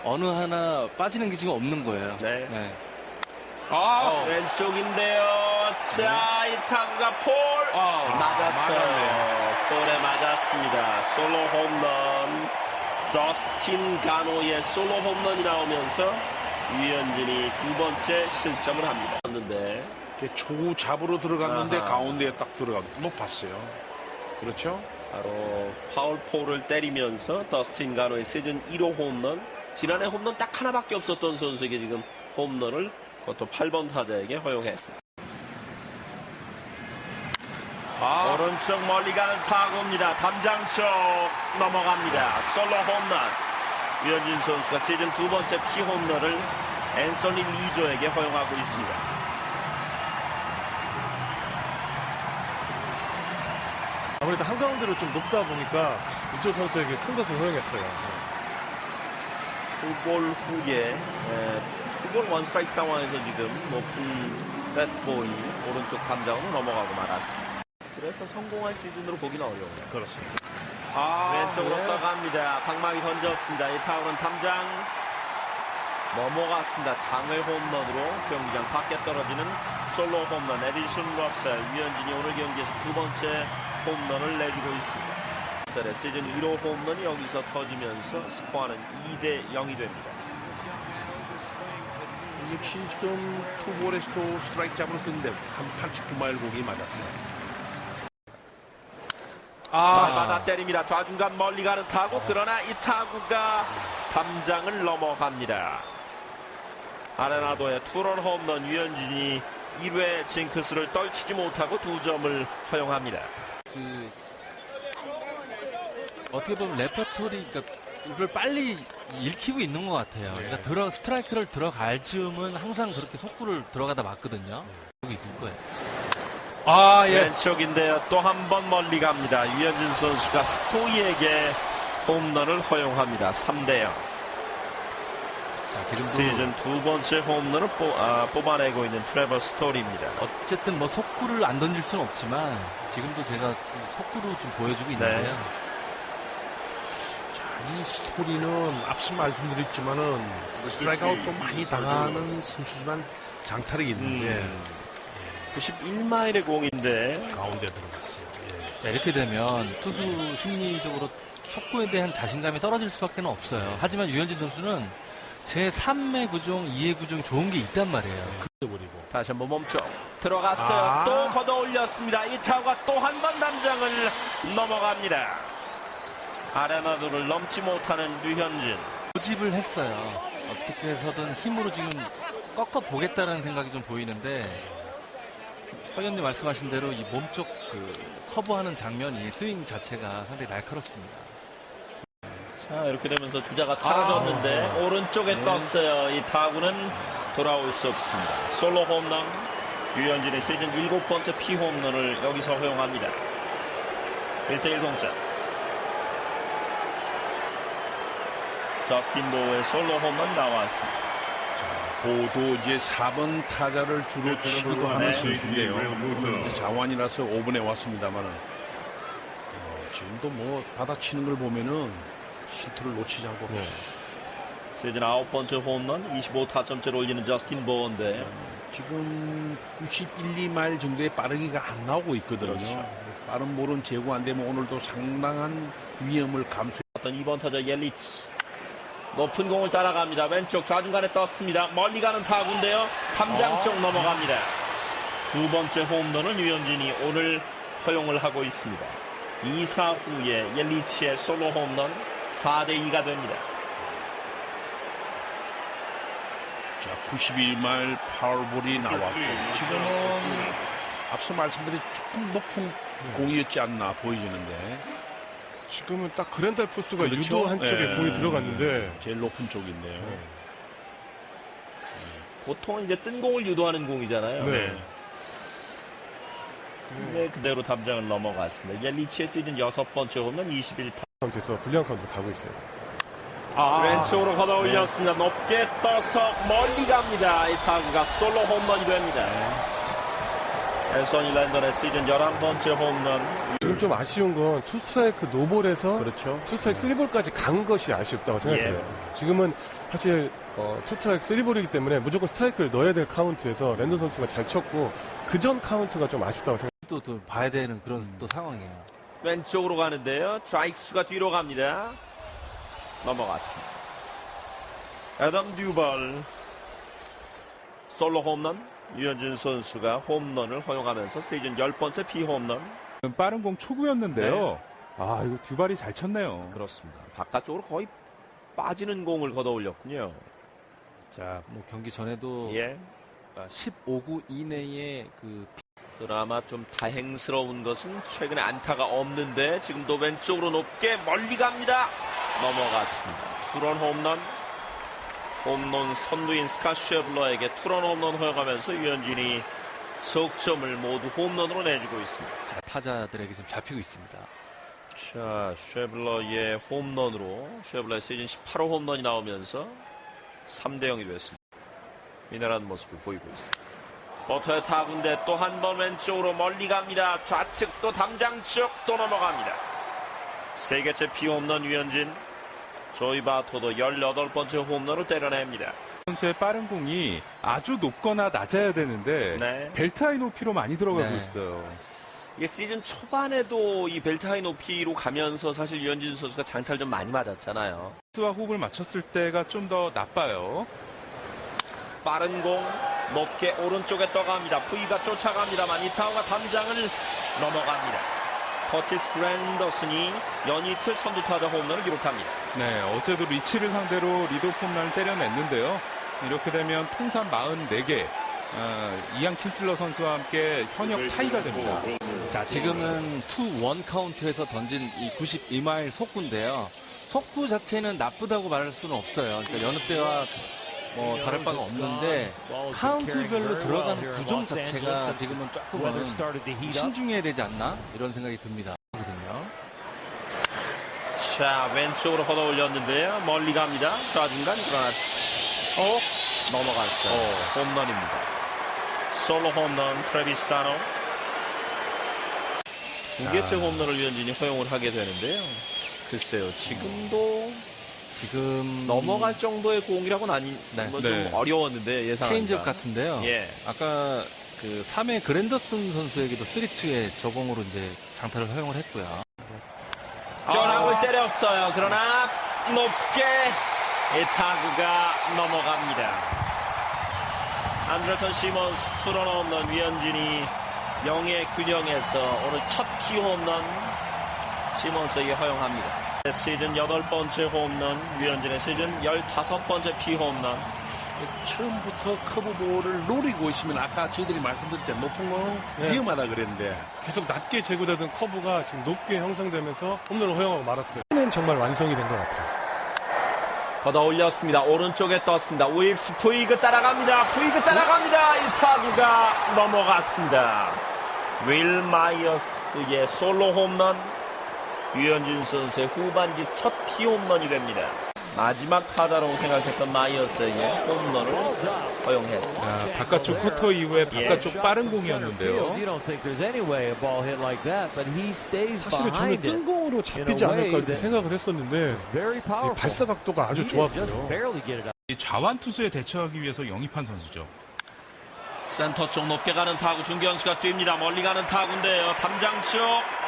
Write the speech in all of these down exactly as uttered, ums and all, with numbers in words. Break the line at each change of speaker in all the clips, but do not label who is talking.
어느 하나 빠지는 게 지금 없는 거예요.
네.
네.
아, 어. 왼쪽인데요. 자, 이 타구가 폴
아,
맞았어요.
맞았네요.
폴에 맞았습니다. 솔로 홈런. 더스틴 가노의 솔로 홈런이 나오면서 유현진이 두 번째 실점을 합니다. 였는데
초잡으로 들어갔는데
아하.
가운데에 딱 들어가고 높았어요. 그렇죠?
바로 파울 폴을 때리면서 더스틴 가노의 시즌 일 호 홈런. 지난해 홈런 딱 하나밖에 없었던 선수에게 지금 홈런을 그것도 팔 번 타자에게 허용했습니다.
아,
오른쪽 멀리 가는 타구입니다. 담장 쪽 넘어갑니다. 솔로 홈런. 유현진 선수가 시즌 두 번째 피홈런을 앤서니 리조에게 허용하고 있습니다.
아무래도 한가운데로 좀 높다 보니까 이쪽 선수에게 큰 것을 허용했어요.
투볼 후에 투볼 원스트라이크 상황에서 지금 높은 패스트볼이 오른쪽 담장으로 넘어가고 말았습니다. 그래서 성공한 시즌으로 보기는 어려워요.
그렇습니다.
아,
왼쪽으로
네.
떠갑니다. 방망이 던졌습니다. 이 타구는 담장 넘어갔습니다. 장외 홈런으로 경기장 밖에 떨어지는 솔로 홈런. 에디슨 러셀. 유현진이 오늘 경기에서 두 번째 홈런을 내주고 있습니다. 러셀의 시즌 일 호 홈런이 여기서 터지면서 스코어는 이 대 영이 됩니다.
역시 지금 투볼에서도 스트라이크 잡을 건데 한 팔십구 마일 공이 맞았네요.
잘 받아 때립니다. 좌중간 멀리 가는 타구. 그러나 이 타구가 담장을 넘어갑니다. 아레나도의 투런 홈런. 유현진이 일 회 징크스를 떨치지 못하고 두 점을 허용합니다.
그 어떻게 보면 레퍼토리를 빨리 읽히고 있는 것 같아요. 그러니까 들어 스트라이크를 들어갈 즈음은 항상 저렇게 속구를 들어가다 맞거든요. 여기 있을 거예요.
아, 예.
왼쪽인데요. 또 한 번 멀리 갑니다. 유현진 선수가 스토이에게 홈런을 허용합니다. 삼 대 영.
자, 지금도
시즌 두 번째 홈런을 뽑, 아, 뽑아내고 있는 트레버 스토리입니다.
어쨌든 뭐 속구를 안 던질 수는 없지만 지금도 제가 속구로 좀 보여주고 있는데요.
네.
자, 이 스토리는 앞서 말씀드렸지만은 스트라이크 아웃도 많이 당하는 선수지만 장타력이 있는데
음. 구십일 마일의 공인데
가운데 들어갔어요. 예.
자, 이렇게 되면 투수 심리적으로 속구에 대한 자신감이 떨어질 수밖에 없어요. 하지만 유현진 선수는 제삼 의 구종, 이 의 구종이 좋은 게 있단 말이에요.
버리고
다시 한번 몸쪽 들어갔어요.
아.
또 걷어 올렸습니다. 이 타구가 또 한 번 담장을 넘어갑니다. 아레나도를 넘지 못하는 류현진.
고집을 했어요. 어떻게 해서든 힘으로 지금 꺾어 보겠다는 생각이 좀 보이는데 허연님 말씀하신 대로 이 몸쪽 그 커브하는 장면이 스윙 자체가 상당히 날카롭습니다.
자, 이렇게 되면서 주자가 사라졌는데
아.
오른쪽에
네.
떴어요. 이 타구는 돌아올 수 없습니다. 솔로 홈런. 유현진의 시즌 일곱 번째 피홈런을 여기서 허용합니다. 일 대 일 동점. 저스틴 보우의 솔로 홈런이 나왔습니다.
보도 이제 사 번 타자를 주로 치고 하는
네.
선수인데요. 이제 자완이라서 오 분에 왔습니다만은 어, 지금도 뭐 받아치는 걸 보면은 실투를 놓치지 않고
시즌 아홉 번째 홈런, 이십오 타점째를 올리는 저스틴 보우인데
지금 구십일, 이 마일 정도의 빠르기가 안 나오고 있거든요.
그렇죠.
빠른 볼은 제고 안 되면 오늘도 상당한 위험을 감수해.
어떤 이 번 타자 옐리치. 높은 공을 따라갑니다. 왼쪽 좌중간에 떴습니다. 멀리 가는 타구인데요. 탐장 쪽 넘어갑니다. 두 번째 홈런을 유현진이 오늘 허용을 하고 있습니다. 이 사 후에 옐리치의 솔로 홈런 사 대 이가 됩니다.
자, 구십일 마일 파울볼이 나왔고 지금은 앞서 말씀드린 조금 높은 공이었지 않나 보여지는데
지금은 딱 그랜달 포스가
그렇죠?
유도 한쪽에
예.
공이 들어갔는데
제일 높은 쪽인데요.
네.
보통은 이제 뜬 공을 유도하는 공이잖아요.
네.
근데 그대로 담장을 넘어갔습니다. 옐리치의 시즌 여섯 번째 홈런 이십일 타.
카운트에서 불리한 카운트로 가고 있어요.
아,
왼쪽으로 걷어 올렸습니다. 높게 떠서 멀리 갑니다. 이 타구가 솔로 홈런이 됩니다. 앤서니 랜던의 시즌 열한 번째 홈런.
지금 좀 아쉬운 건 투 스트라이크 노볼에서
그렇죠.
투 스트라이크 쓰리 볼까지 간 것이 아쉽다고 생각해요. 지금은 사실 어, 투 스트라이크 쓰리 볼이기 때문에 무조건 스트라이크를 넣어야 될 카운트에서 랜던 선수가 잘 쳤고 그 전 카운트가 좀 아쉽다고 생각해요.
또, 또 봐야 되는 그런 또 상황이에요.
왼쪽으로 가는데요. 좌익수가 뒤로 갑니다. 넘어갔습니다. 애덤 듀발 솔로 홈런. 유현진 선수가 홈런을 허용하면서 시즌 열 번째 비홈런.
빠른 공 초구였는데요. 아, 이거 듀발이 잘 쳤네요.
그렇습니다. 바깥쪽으로 거의 빠지는 공을 걷어 올렸군요.
자, 뭐 경기 전에도
예.
십오 구 이내에 그
그나마 좀 다행스러운 것은 최근에 안타가 없는데 지금도 왼쪽으로 높게 멀리 갑니다. 넘어갔습니다. 투런 홈런. 홈런 선두인 스캇 쉐블러에게 투런 홈런 허용하면서 유현진이 석점을 모두 홈런으로 내주고 있습니다.
자, 타자들에게 좀 잡히고 있습니다.
자, 쉐블러의 홈런으로 쉐블러의 시즌 십팔 호 홈런이 나오면서 삼 대 영이 됐습니다. 미나라는 모습을 보이고 있습니다. 버터의 타구인데 또 한 번 왼쪽으로 멀리 갑니다. 좌측 또 담장 쪽 또 넘어갑니다. 세 개째 비홈런 유현진. 조이 바토도 열여덟 번째 홈런을 때려냅니다.
선수의 빠른 공이 아주 높거나 낮아야 되는데
네.
벨트 하이 높이로 많이 들어가고
네.
있어요.
이게 시즌 초반에도 이 벨트 하이 높이로 가면서 사실 유현진 선수가 장타를 좀 많이 맞았잖아요.
스와 호흡을 맞췄을 때가 좀 더 나빠요.
빠른 공 높게 오른쪽에 떠갑니다. V가 쫓아갑니다만 이 타구가 담장을 넘어갑니다. 커티스 그랜더슨이 연이틀 선두타자 홈런을 기록합니다.
네, 어제도 리치를 상대로 리드오프 홈런을 때려냈는데요. 이렇게 되면 통산 사십사 개, 어, 이안 킨슬러 선수와 함께 현역 타이가 됩니다.
자, 지금은 투 원 카운트에서 던진 이 구십이 마일 속구인데요. 속구 자체는 나쁘다고 말할 수는 없어요. 그러니까 여느 때와 뭐 다를 바가 없는데 카운트별로 들어가는 구종 자체가 지금은 조금은 신중해야 되지 않나 이런 생각이 듭니다. 거든요.
자, 왼쪽으로 걷어 올렸는데요. 멀리 갑니다. 좌중간 그러나 어? 넘어갔어요. 홈런입니다. 솔로 홈런 트래비스 다노. 두 개째 홈런을 유현진이 허용을 하게 되는데요. 글쎄요, 지금도
지금
넘어갈 정도의 공이라고는 아니,
네.
뭐 좀
네.
어려웠는데 예상.
체인지업 같은데요.
예.
아까 그 삼 회 그랜더슨 선수에게도 쓰리 투의 저공으로 이제 장타를 허용을 했고요.
벼락을 때렸어요. 그러나 높게 이 타구가 넘어갑니다. 안드레턴 시몬스 투런 홈런. 유현진이 영의 균형에서 오늘 첫 피홈런 시몬스에게 허용합니다. 시즌 여덟 번째 홈런. 유현진의 시즌 열다섯 번째 피홈런.
처음부터 커브볼을 노리고 있으면 아까 저희들이 말씀드렸잖아요. 높은 건
네.
위험하다 그랬는데
계속 낮게 제구되던 커브가 지금 높게 형성되면서 홈런을 허용하고 말았어요. 는 정말 완성이 된 것 같아요.
걷어 올렸습니다. 오른쪽에 떴습니다. 우익스 푸이그 따라갑니다. 푸이그 따라갑니다. 이 타구가 넘어갔습니다. 윌 마이어스의 솔로 홈런. 유현진 선수의 후반기 첫 피홈런이 됩니다. 마지막 타자라고 생각했던 마이어스에게 홈런을 허용했습니다.
자, 바깥쪽 쿼터 이후에 바깥쪽 빠른 공이었는데요.
사실은 저는 뜬공으로 잡히지 않을까 이렇게 생각을 했었는데 이 발사 각도가 아주 좋았고요.
이 좌완 투수에 대처하기 위해서 영입한 선수죠.
센터 쪽 높게 가는 타구 중견수가 뜁니다. 멀리 가는 타구인데요. 담장 쪽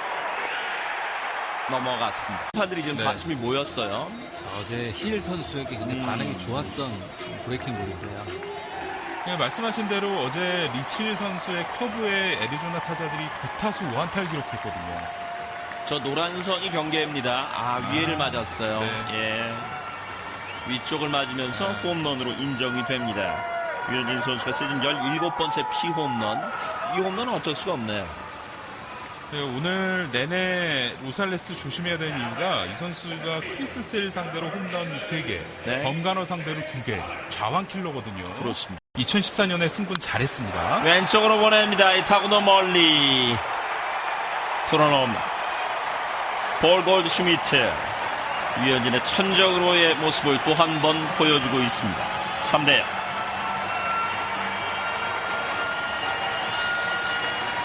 넘어갔습니다. 판들이 지금
네.
관심이 모였어요.
자, 어제 힐 선수에게 굉장히
음.
반응이 좋았던 브레이킹 볼인데요.
네, 말씀하신 대로 어제 리치 선수의 커브에 애리조나 타자들이 구 타수 오 안타를 기록했거든요.
저 노란 선이 경계입니다. 아, 위에를 맞았어요.
네.
예. 위쪽을 맞으면서 홈런으로 인정이 됩니다. 유현진 선수가 시즌 열일곱 번째 피홈런. 이 홈런은 어쩔 수가 없네요.
네, 오늘 내내 로살레스 조심해야 되는 이유가 이 선수가 크리스 셀 상대로 홈런 세 개,
네.
범가너 상대로 두 개, 좌완 킬러거든요.
그렇습니다.
이천십사 년에 승분 잘했습니다.
왼쪽으로 보냅니다. 이 타구도 멀리 풀어놓습니다. 볼 골드 슈미트. 유현진의 천적으로의 모습을 또 한 번 보여주고 있습니다. 삼 대 영.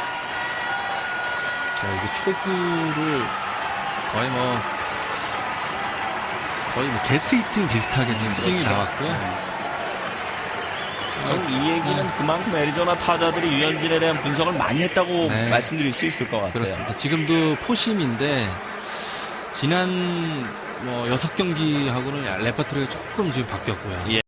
자, 이게 초구를 거의 뭐 거의 뭐 게스 히팅 비슷하게 지금 스윙이 나왔고요.
이 얘기는 그만큼 애리조나 타자들이 유현진에 대한 분석을 많이 했다고
네.
말씀드릴 수 있을 것 같아요.
그렇습니다. 지금도 포심인데 지난 뭐 여섯 경기하고는 레퍼토리가 조금 지금 바뀌었고요.
예.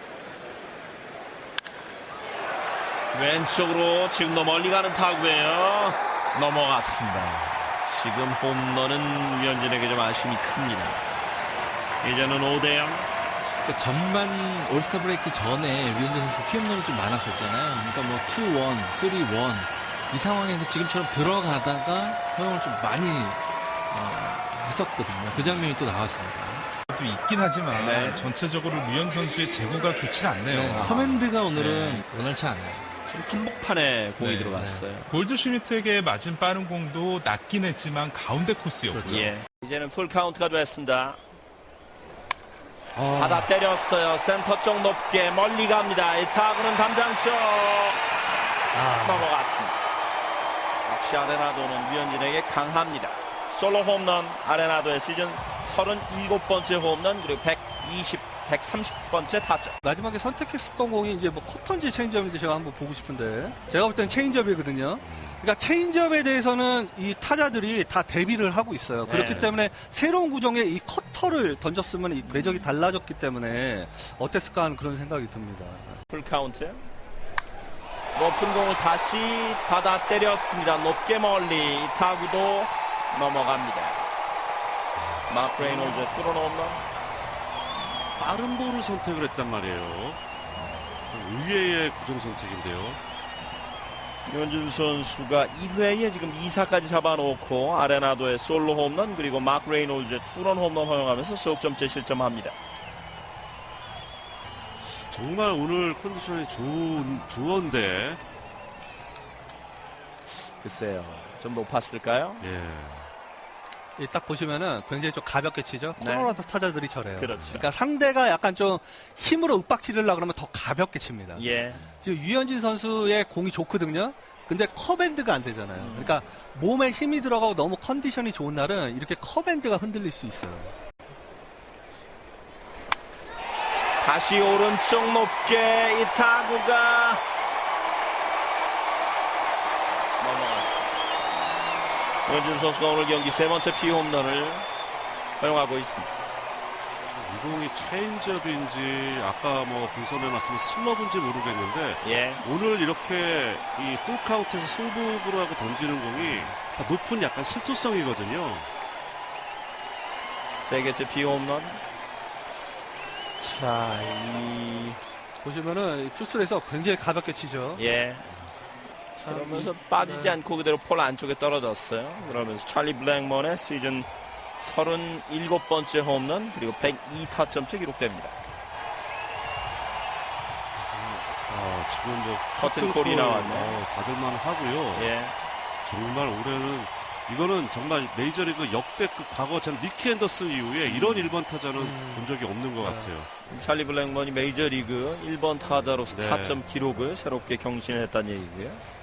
왼쪽으로 지금도 멀리 가는 타구예요. 넘어갔습니다. 지금 홈런은 유현진에게 좀 아쉬움이 큽니다. 이제는 오 대 영.
그러니까 전반 올스타 브레이크 전에 류현진 선수 피홈런이 좀 많았었잖아요. 그러니까 뭐 투 원, 쓰리 원 이 상황에서 지금처럼 들어가다가 허용을 좀 많이 어, 했었거든요. 그 장면이 또 나왔습니다.
또 있긴 하지만
네.
전체적으로 류현 선수의 제구가 좋지 않네요.
네, 커맨드가 오늘은 원활치 않아요.
지금 한복판에 공이
네,
들어갔어요.
골드슈미트에게 맞은 빠른 공도 낮긴 했지만 가운데 코스였고요.
그렇죠.
예. 이제는 풀 카운트가 됐습니다. 받아 때렸어요. 센터 쪽 높게 멀리 갑니다. 이 타구는 담장 쪽 넘어갔습니다. 역시 아레나도는 류현진에게 강합니다. 솔로 홈런 아레나도의 시즌 서른일곱 번째 홈런 그리고 백이십, 백삼십 번째 타점.
마지막에 선택했었던 공이 이제 뭐 커터인지 체인지업인지 제가 한번 보고 싶은데 제가 볼 때는 체인지업이거든요. 그러니까 체인지업에 대해서는 이 타자들이 다 대비를 하고 있어요. 그렇기
네.
때문에 새로운 구종의 이 커터를 던졌으면 이 궤적이 달라졌기 때문에 어땠을까 하는 그런 생각이 듭니다.
풀 카운트. 높은 공을 다시 받아 때렸습니다. 높게 멀리 이 타구도 넘어갑니다. 마크 레이놀즈의 투런 홈런.
빠른 볼을 선택을 했단 말이에요. 좀 의외의 구종 선택인데요.
유현진 선수가 일 회에 지금 이 사까지 잡아놓고 아레나도의 솔로 홈런 그리고 마크 레이놀즈의 투런 홈런 허용하면서 석점째 실점합니다.
정말 오늘 컨디션이 좋은, 좋은데.
글쎄요. 좀 높았을까요?
예.
이 딱 보시면은 굉장히 좀 가볍게 치죠.
네.
코로나도 타자들이 저래요.
그렇죠.
그러니까 상대가 약간 좀 힘으로 윽박 지르려고 그러면 더 가볍게 칩니다.
예.
지금 유현진 선수의 공이 좋거든요. 근데 커밴드가 안 되잖아요. 그러니까 몸에 힘이 들어가고 너무 컨디션이 좋은 날은 이렇게 커밴드가 흔들릴 수 있어요.
다시 오른쪽 높게 이 타구가 넘어갔습니다. 유현진 선수가 오늘 경기 세 번째 피홈런을 허용하고 있습니다.
이 공이 체인지업인지 아까 뭐 분석해놨으면 슬러브인지 모르겠는데
예.
오늘 이렇게 이 풀카운트에서 승부구로 하고 던지는 공이 다 높은 약간 실투성이거든요.
세 개째 피홈런. 자, 이
보시면은 투수에서 굉장히 가볍게 치죠.
예.
참,
그러면서
이-
빠지지
네.
않고 그대로 폴 안쪽에 떨어졌어요. 그러면서 찰리 블랙먼의 시즌 서른일곱 번째 홈런 그리고 백이 타점째 기록됩니다.
아, 지금 뭐
커튼콜이 나왔네.
어, 받을만 하고요.
예.
정말 올해는 이거는 정말 메이저리그 역대급 과거 전 미키 앤더슨 이후에 이런 일 번 타자는
음.
본 적이 없는 것
네.
같아요.
찰리 블랙먼이 메이저리그 일 번 타자로서
네.
타점 기록을 새롭게 경신했다는 얘기고요.